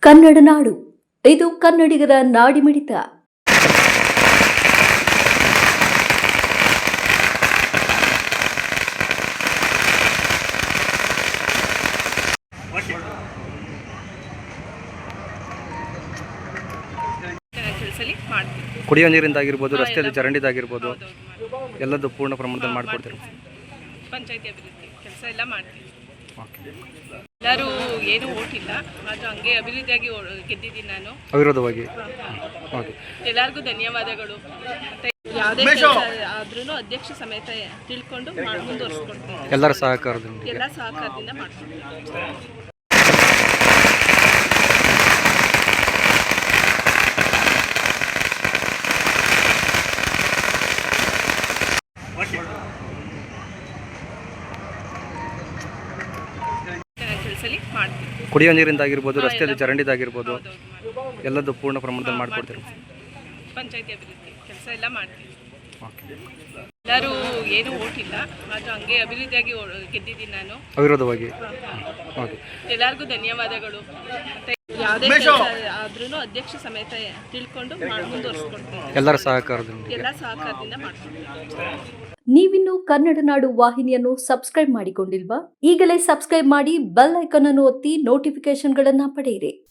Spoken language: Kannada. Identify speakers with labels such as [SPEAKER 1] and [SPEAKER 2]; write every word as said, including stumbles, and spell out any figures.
[SPEAKER 1] ಕನ್ನಡ ನಾಡು, ಇದು ಕನ್ನಡಿಗರ ನಾಡಿಮಿಡಿತ.
[SPEAKER 2] ಕುಡಿಯೋ ನೀರಿಂದಾಗಿರ್ಬೋದು, ರಸ್ತೆಯಲ್ಲಿ ಚರಂಡಿದಾಗಿರ್ಬೋದು, ಎಲ್ಲದೂ ಪೂರ್ಣ ಪ್ರಮಾಣದಲ್ಲಿ ಮಾಡಿಕೊಡ್ತೀವಿ.
[SPEAKER 3] ಪಂಚಾಯತಿ ಅಭಿವೃದ್ಧಿ ಕೆಲಸ ಎಲ್ಲ ಮಾಡ್ತೀವಿ. ಎಲ್ಲರೂ ಏನು ಓಟ್ ಇಲ್ಲ, ಆದರೂ ಹಂಗೆ ಅಭಿವೃದ್ಧಿಯಾಗಿ ಗೆದ್ದಿದ್ದೀನಿ ನಾನು
[SPEAKER 2] ಅವಿರೋಧವಾಗಿ.
[SPEAKER 3] ಎಲ್ಲರಿಗೂ ಧನ್ಯವಾದಗಳು. ಮತ್ತೆ ಯಾವುದೇ ಕೆಲಸ ಆದ್ರೂ ಅಧ್ಯಕ್ಷ ಸಮೇತ ತಿಳ್ಕೊಂಡು ಮುಂದುವರಿಸ್ಕೊಡ್ತೀನಿ.
[SPEAKER 2] ಎಲ್ಲರ ಸಹಕಾರದಿಂದ
[SPEAKER 3] ಎಲ್ಲ ಸಹಕಾರದಿಂದ ಮಾಡ್ತೀನಿ.
[SPEAKER 2] ಕುಡಿಯೋ ನೀರಿಂದಾಗಿರ್ಬೋದು, ರಸ್ತೆಯಲ್ಲಿ ಚರಂಡಿದಾಗಿರ್ಬೋದು, ಎಲ್ಲದೂ ಪೂರ್ಣ ಪ್ರಮಾಣದಲ್ಲಿ ಮಾಡಿಕೊಡ್ತೀವಿ.
[SPEAKER 3] ಪಂಚಾಯತಿ ಅಭಿವೃದ್ಧಿ ಕೆಲಸ ಎಲ್ಲ ಮಾಡ್ತೀವಿ. ಎಲ್ಲರೂ ಏನು ಓಟ್ ಇಲ್ಲ, ಆದರೂ ಹಂಗೆ ಅಭಿವೃದ್ಧಿಯಾಗಿ ಗೆದ್ದಿದ್ದೀನಿ ನಾನು ಅವಿರೋಧವಾಗಿ. ಎಲ್ಲರಿಗೂ ಧನ್ಯವಾದಗಳು. ಮತ್ತೆ ಯಾವುದೇ ಕೆಲಸ ಆದ್ರೂ ಅಧ್ಯಕ್ಷ ಸಮೇತ ತಿಳ್ಕೊಂಡು ಮುಂದುವರಿಸ್ಕೊಡ್ತೀನಿ.
[SPEAKER 2] ಎಲ್ಲರ ಸಹಕಾರದಿಂದ
[SPEAKER 3] ಎಲ್ಲ ಸಹಕಾರದಿಂದ ಮಾಡ್ತೀನಿ.
[SPEAKER 1] ನೀವಿನ್ನು ಕನ್ನಡ ನಾಡು ವಾಹಿನಿಯನ್ನು ಸಬ್ಸ್ಕ್ರೈಬ್ ಮಾಡಿಕೊಂಡಿಲ್ವಾ? ಈಗಲೇ ಸಬ್ಸ್ಕ್ರೈಬ್ ಮಾಡಿ, ಬೆಲ್ ಐಕಾನ್ ಅನ್ನು ಒತ್ತಿ ನೋಟಿಫಿಕೇಶನ್ಗಳನ್ನು ಪಡೆಯಿರಿ.